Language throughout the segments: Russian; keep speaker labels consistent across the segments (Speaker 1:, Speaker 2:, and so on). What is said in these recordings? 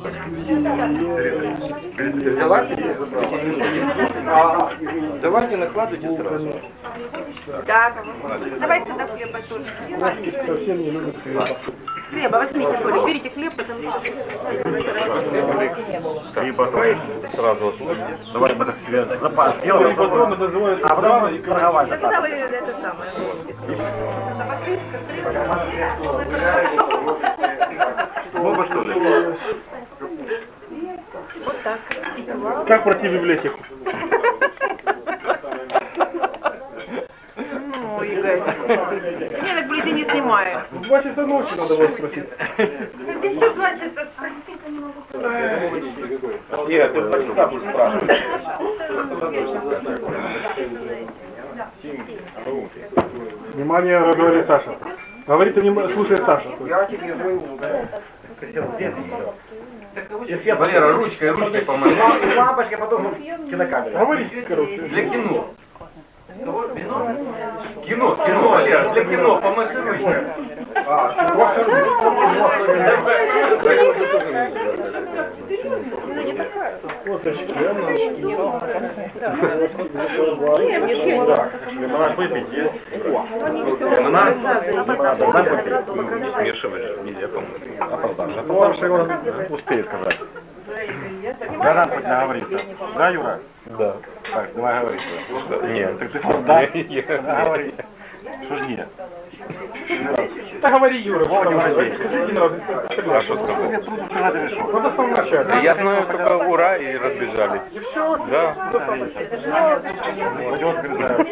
Speaker 1: Ты взяла себе? Давайте накладывайте сразу.
Speaker 2: Да, давай сюда хлеба тоже.
Speaker 3: Совсем не любит хлеба.
Speaker 2: Хлеба возьмите, Коля, берите хлеб, потому что...
Speaker 4: Либо сразу отложить. Давай мы так себе запас
Speaker 3: Сделали
Speaker 4: сделаем.
Speaker 3: потом, это называется
Speaker 4: Потом и торговать.
Speaker 2: Когда вы это самое...
Speaker 4: Оба что ли?
Speaker 2: Вот так.
Speaker 3: как пройти в библиотеку.
Speaker 2: Ну, Игорь. Я так ближе не снимаю.
Speaker 3: В 2 часа ночи надо было спросить.
Speaker 2: Ты еще 2 часа спроси.
Speaker 4: Нет, ты 2 часа будешь спрашивать.
Speaker 3: Внимание, разговаривает Саша. Говорит, слушай, Саша.
Speaker 1: Валера, ручкой помогай.
Speaker 4: И лампочка, потом кинокамера.
Speaker 3: Говори, короче.
Speaker 1: Для кино. Кино, Валера, для кино, помаши ручкой.
Speaker 3: Косточки,
Speaker 4: Лимонад выпить, есть?
Speaker 1: Не смешиваешь, нельзя, по-моему.
Speaker 4: Опоздавший. Опоздавший он успеет сказать. Да нам хоть наговориться. Да, Юра?
Speaker 1: Да.
Speaker 4: Так, давай говорить.
Speaker 1: Нет.
Speaker 4: Так ты да? Говори. Что ж нет?
Speaker 3: да говори, Юра,
Speaker 4: Вова, не возьми.
Speaker 3: скажи один раз, если ты
Speaker 1: А что сказал?
Speaker 4: Тебе трудно сказать, или что?
Speaker 3: надо в самом начале.
Speaker 1: Я знаю только ура и разбежались.
Speaker 3: И все,
Speaker 1: Да.
Speaker 4: Пойдет, грызают.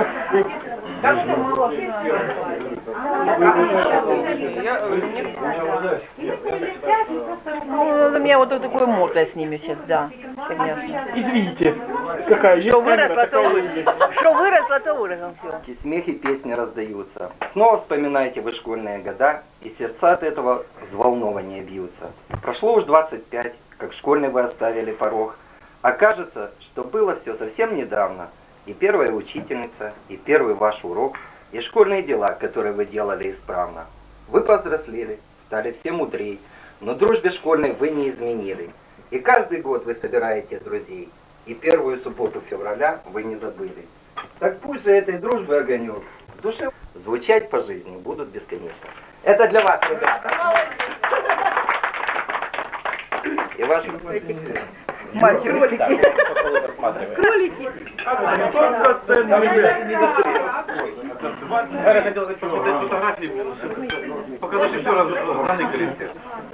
Speaker 2: Ну, у меня вот такой мордой с ними сейчас, да, конечно.
Speaker 3: извините, какая есть
Speaker 2: Что
Speaker 3: камера,
Speaker 2: выросло, то
Speaker 3: такая и
Speaker 2: выросло.
Speaker 3: есть.
Speaker 2: Что выросло, то выросло. Все.
Speaker 5: И смех и песни раздаются. Снова вспоминаете вы школьные года, и сердца от этого взволнования бьются. Прошло уж 25, как школьный вы оставили порог. А кажется, что было все совсем недавно. И первая учительница, и первый ваш урок, и школьные дела, которые вы делали исправно. Вы повзрослели, стали все мудрей, но дружбе школьной вы не изменили. И каждый год вы собираете друзей, и первую субботу февраля вы не забыли. Так пусть же этой дружбы огонек в душе звучать по жизни будут бесконечно. Это для вас, ребята. И ваши
Speaker 2: Мальчик, кролики. Кролики.
Speaker 4: Я хотел посмотреть фотографии, пока даже все заныкали все.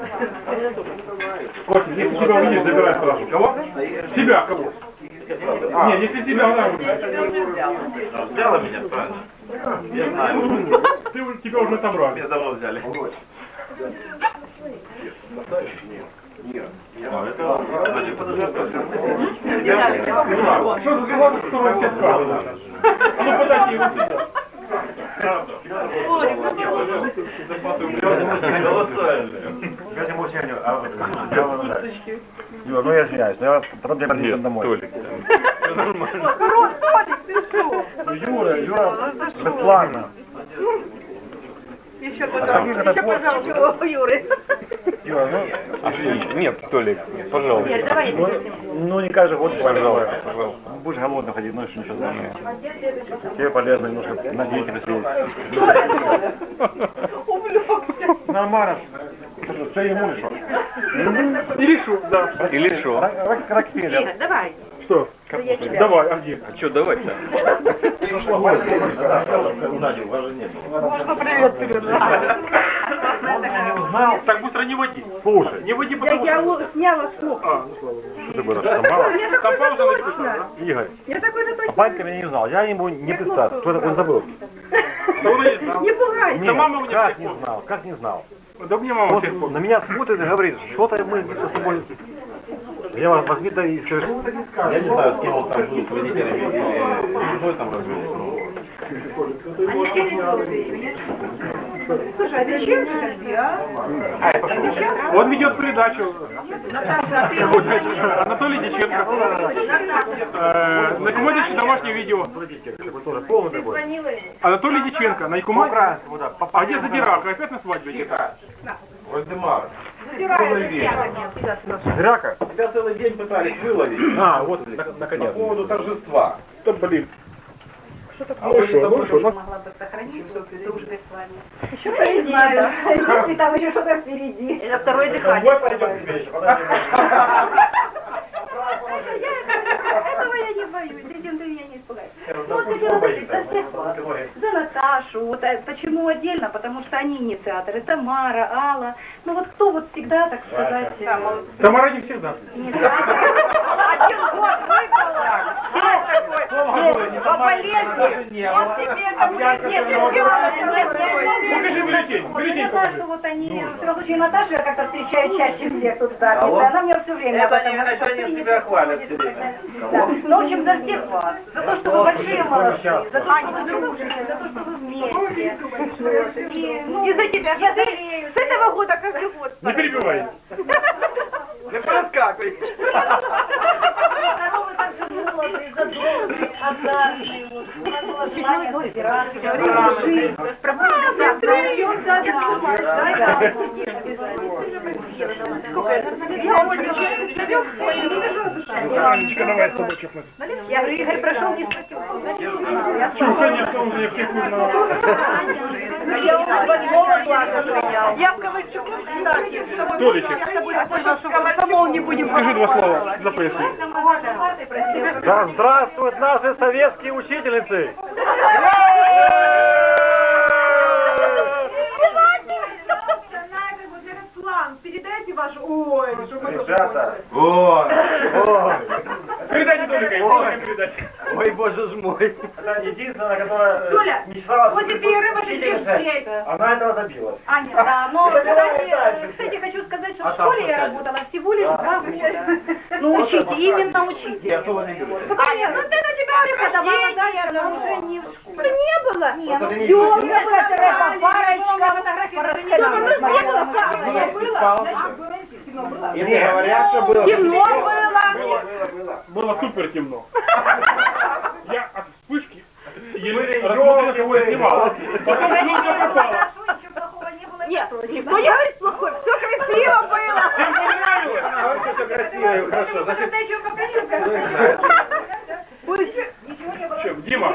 Speaker 3: Котик, если себя увидишь, забирай сразу. Кого? Себя, кого? Нет, если себя, она
Speaker 4: Взяла меня, правильно? Я знаю.
Speaker 3: тебя уже отобрали.
Speaker 4: Меня давно взяли.
Speaker 3: Что за салат, который все отказываются? А ну подайте его сюда.
Speaker 4: Юра, ну я извиняюсь, но я потом тебя подвезу домой.
Speaker 1: Толик.
Speaker 4: Юра, бесплатно.
Speaker 2: Еще, пожалуйста, у Юры.
Speaker 4: Юра, ну,
Speaker 1: А что, нет, Толик, пожалуйста.
Speaker 2: Нет, давай я тебе
Speaker 4: ну не каждый год,
Speaker 1: Пожалуйста, пожалуйста.
Speaker 4: Будешь голодный ходить, ну еще ничего знаешь. Тебе полезно немножко на диете посидеть.
Speaker 2: увлекся.
Speaker 4: Нормально. Что ему или что?
Speaker 3: Или шо, да.
Speaker 1: Или что?
Speaker 4: Рокфеллер.
Speaker 2: Игорь, давай.
Speaker 3: Что?
Speaker 2: Я тебя.
Speaker 3: Давай, а где?
Speaker 1: А что давать-то?
Speaker 2: Можно привет передать.
Speaker 4: Узнал.
Speaker 3: Так быстро не води.
Speaker 4: Слушай,
Speaker 3: Не води, потому что...
Speaker 2: сняла штуку.
Speaker 3: А, ну слава богу.
Speaker 4: что ты будешь штамбовать?
Speaker 3: Там пауза написана,
Speaker 4: Игорь,
Speaker 2: Я такой же
Speaker 4: а
Speaker 2: точно.
Speaker 4: батька меня не узнал. Я ему не представил. Кто такой, он забыл.
Speaker 3: да? Он и не знал.
Speaker 2: Не пугай.
Speaker 4: Нет,
Speaker 3: мама у меня
Speaker 4: как
Speaker 3: всех
Speaker 4: не
Speaker 3: помнит.
Speaker 4: знал, как не знал.
Speaker 3: Да мне мама
Speaker 4: Вот
Speaker 3: всех помнит.
Speaker 4: на меня смотрит и говорит, что-то мы где-то с тобой... Я вас возьми, да и скажу. Я не знаю, с кем он там был, с родителями или с женой там развелся.
Speaker 6: Они все веселые еще, нет? Слушай, а зачем ты такие, а?
Speaker 3: Он ведет передачу.
Speaker 6: Наташа, а ты его знаешь?
Speaker 3: Анатолий Диченко. На Якуматище домашнее видео.
Speaker 4: Тоже полный такой.
Speaker 6: Звонила ему.
Speaker 3: Анатолий Диченко. На Якуматище.
Speaker 4: По-украинскому, да.
Speaker 3: А где Задирака? Опять на свадьбе где-то?
Speaker 4: Вальдемар.
Speaker 6: стираю, это я так нет.
Speaker 4: Драка?
Speaker 7: Тебя целый день пытались выловить
Speaker 4: А, вот,
Speaker 7: по
Speaker 4: наконец.
Speaker 7: поводу торжества.
Speaker 3: Да блин.
Speaker 7: А мы с тобой что?
Speaker 6: Могла бы сохранить дружбы с вами.
Speaker 2: Еще впереди, да.
Speaker 8: Если там еще что-то впереди.
Speaker 2: Это второе дыхание.
Speaker 7: Домой пойдем к вечеру, подожди.
Speaker 8: Этого я не боюсь, этим ты меня не испугаешь. Ну вот хотела выпить за всех вас. За Наташу. Вот почему отдельно? Потому что они инициаторы. Тамара, Алла. Ну вот кто вот всегда, так сказать,
Speaker 3: Тамара не всегда.
Speaker 8: инициатор.
Speaker 2: Один год выпала. По болезни. Вот тебе это будет
Speaker 3: Покажи бюллетень.
Speaker 8: Вот,
Speaker 3: Бюллетень
Speaker 8: я знаю,
Speaker 3: покажи.
Speaker 8: что вот они, в всяком случае, Наташу я как-то встречаю чаще всех тут в пятницу. Она мне все время об этом говорит, что ты не приходишь. Да. Ну, в общем, за всех вас. За то, что вы большие молодцы. За то, что вы дружите. За то, что вы вместе. Вот. И
Speaker 6: за тебя
Speaker 8: я
Speaker 6: же
Speaker 8: жалею.
Speaker 6: с этого года каждый год.
Speaker 3: Не перебивай.
Speaker 5: Не пораскакивай.
Speaker 8: Здоровы, так же молодые, задорные, азартные. Вот. У нас было желание собираться.
Speaker 6: Жить.
Speaker 3: Анечка, давай с тобой чокнуться.
Speaker 8: Я говорю, Игорь прошел, не спросил, кто, значит, не знал. Я
Speaker 3: Чё,
Speaker 8: сказала.
Speaker 3: конечно, он меня всех узнал.
Speaker 2: Я у нас 8 класса принял.
Speaker 9: Я с Ковальчуком, кстати, с тобой
Speaker 3: Толичек.
Speaker 9: я с тобой спрашивала, самого не будем.
Speaker 3: Скажи два слова за прессу.
Speaker 4: Да здравствуют наши советские учительницы!
Speaker 6: Передайте ваш... Ой, что мы тоже
Speaker 7: Ребята,
Speaker 3: Передайте Толика, передать.
Speaker 5: Ой, боже ж мой.
Speaker 4: Это единственная, которая
Speaker 6: Толя,
Speaker 4: мечтала
Speaker 6: после перерыва ты здесь здесь.
Speaker 4: Она этого добилась.
Speaker 6: Аня,
Speaker 8: Да, но,
Speaker 4: Давай дальше.
Speaker 8: кстати, хочу сказать, что в школе я работала всего лишь 2 года. Ну, учите, именно учительницей.
Speaker 6: Аня, ну ты на тебя
Speaker 8: Преподавала
Speaker 6: прихождение,
Speaker 8: дальше, но уже не в школе.
Speaker 9: Не было.
Speaker 8: Нет, ну,
Speaker 7: не
Speaker 8: ёлка, это парочка, фотографии.
Speaker 6: Темно было? Значит, было темно было?
Speaker 7: если говорят, что было...
Speaker 9: Темно было.
Speaker 3: Было супер темно. Я от вспышки еле
Speaker 4: Были
Speaker 3: рассмотрел,
Speaker 4: ёлки,
Speaker 3: кого я снимал. Потом елка попала.
Speaker 8: Хорошо, ничего плохого не было.
Speaker 9: Нет, никто не говорит плохой, все красиво было.
Speaker 3: Всем понравилось.
Speaker 7: Говорит, что все красиво и хорошо. Значит,
Speaker 6: Ты еще покажи, как ничего не было.
Speaker 3: Чем? Дима.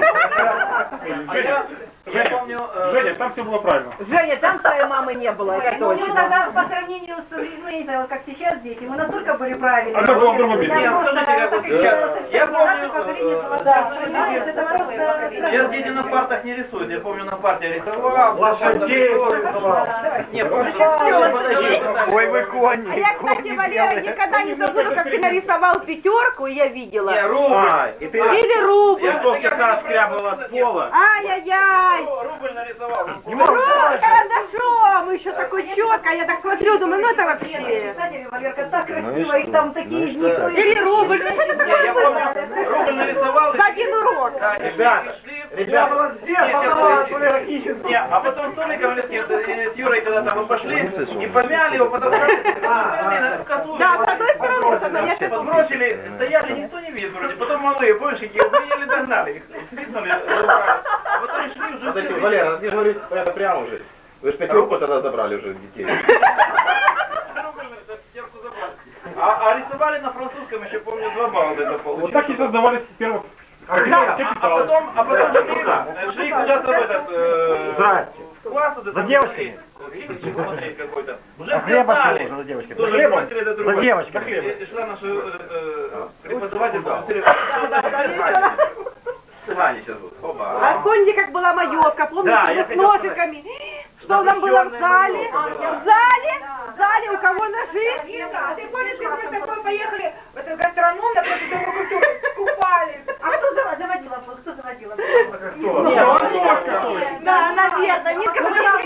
Speaker 3: Женя, там все было правильно.
Speaker 2: Женя, там твоей мамы не было, это
Speaker 8: Ну, мы
Speaker 2: точно.
Speaker 8: тогда по сравнению с, ну, я не знаю, вот как сейчас дети, мы настолько были правильные.
Speaker 3: Она была в другом месте.
Speaker 8: Я просто
Speaker 7: скажите, как вот сейчас. Я помню,
Speaker 8: наше поколение было, да, понимаешь, это просто...
Speaker 7: сейчас дети на партах не рисуют. Я помню, на парте я рисовал.
Speaker 4: Лошадей рисовал.
Speaker 7: Не, подожди.
Speaker 5: Ой, вы кони.
Speaker 9: А я, кстати, Валера, никогда не забуду, как ты нарисовал пятерку, и я видела.
Speaker 7: Не, рубль. И ты...
Speaker 9: Или рубль.
Speaker 7: Я полчаса скрябала с пола.
Speaker 9: Ай-яй-яй.
Speaker 7: Рубль нарисовал.
Speaker 9: Карандашом, еще такой четко, я так смотрю, думаю, ну это вообще.
Speaker 8: Кстати, Валерка, так красиво, их там такие никто не...
Speaker 9: Или рубль, ну что это
Speaker 7: Не, я
Speaker 9: такое
Speaker 7: помню,
Speaker 9: было?
Speaker 7: рубль нарисовал.
Speaker 9: За один урок.
Speaker 7: Да, и
Speaker 4: Ребята,
Speaker 7: шли.
Speaker 4: ребята,
Speaker 7: Не, а потом с Толиком с Юрой когда-то мы пошли и помяли его, потому что с одной стороны косу
Speaker 9: Да, с одной стороны, с одной, я сейчас
Speaker 7: подбросили, стояли, никто не видит вроде. Потом малые, помнишь, какие, мы еле догнали их, свистнули руками. А потом шли уже
Speaker 10: Подожди,
Speaker 7: все.
Speaker 10: Валера, ты же говоришь, это прямо уже. Вы же 5 руку тогда забрали уже детей.
Speaker 7: А рисовали на французском еще, помню, 2 балла за это получили.
Speaker 3: Вот так и создавали первых капитал.
Speaker 7: А потом шли куда-то в этот,
Speaker 4: Здрасте.
Speaker 7: в класс вот это.
Speaker 4: За девочками.
Speaker 7: Фильм смотреть какой-то. Уже
Speaker 4: А
Speaker 7: все
Speaker 4: хлеба шел
Speaker 7: знали.
Speaker 4: уже за девочками.
Speaker 7: Тоже
Speaker 3: хлебом?
Speaker 7: бросили это
Speaker 4: За
Speaker 7: другое.
Speaker 4: девочками.
Speaker 7: И шла наша преподаватель, попросили.
Speaker 10: Цыгане сейчас будут. Оба.
Speaker 9: А вспомните, как была маевка, помните,
Speaker 4: Да,
Speaker 9: мы
Speaker 4: я
Speaker 9: с
Speaker 4: хотел сказать.
Speaker 9: ножиками. Что нам было в зале? В зале, у кого ножи?
Speaker 6: Инга, а ты помнишь, как мы с тобой поехали в эту гастроном на просто Дому культуры, купались?
Speaker 8: А кто заводила? Кто заводила?
Speaker 9: Да, наверное. Нитка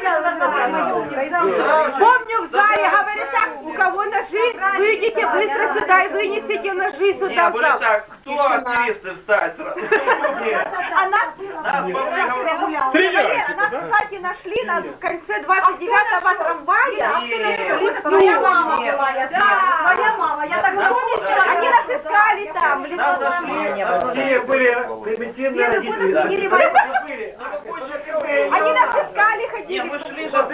Speaker 9: помню, в зале говорят так, у кого ножи, выйдите быстро сюда и вынесите ножи сюда
Speaker 7: Не,
Speaker 9: в
Speaker 7: были
Speaker 9: зал.
Speaker 7: так, кто активисты встать сразу?
Speaker 9: А нас,
Speaker 7: Нас повыгнали.
Speaker 3: Стреляйте,
Speaker 9: нас,
Speaker 3: да?
Speaker 9: кстати, нашли в конце 29-го трамвая.
Speaker 8: Моя мама была, я знаю. Моя мама, я так запомнила.
Speaker 9: Они нас искали там, в
Speaker 7: Нас
Speaker 9: лесу.
Speaker 7: нашли.
Speaker 4: Те были примитивные родители.
Speaker 8: Или
Speaker 9: Они нас искали, ходили.
Speaker 10: Мы шли сейчас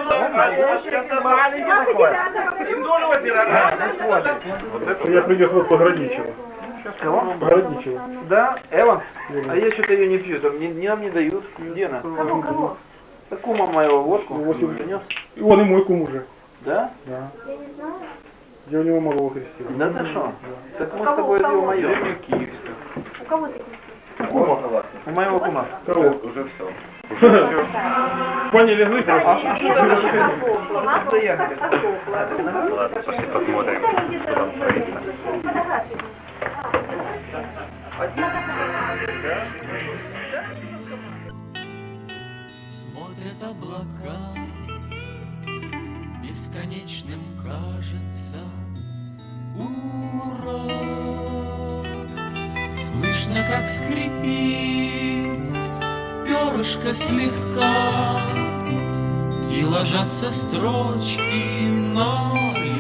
Speaker 10: вдоль озера.
Speaker 3: Я принес вот Пограничева.
Speaker 7: Кого?
Speaker 3: Пограничева.
Speaker 7: Да, Эванс? А я что-то ее не пью, там нам не дают. Где она?
Speaker 8: Кого?
Speaker 7: Да кума моего водку.
Speaker 3: 8.
Speaker 7: принес.
Speaker 3: И он и мой кум уже.
Speaker 7: Да?
Speaker 3: Да. Я у него малого крестил.
Speaker 7: Да ты что? Так мы с тобой его моем.
Speaker 8: У кого ты?
Speaker 7: У моего кума.
Speaker 3: Кого?
Speaker 10: Уже все.
Speaker 3: Поняли, легли просто.
Speaker 1: Ладно, пошли посмотрим, что там творится.
Speaker 11: Смотрят облака, бесконечным кажется урок. Слышно, как скрипит перышко слегка, и ложатся строчки на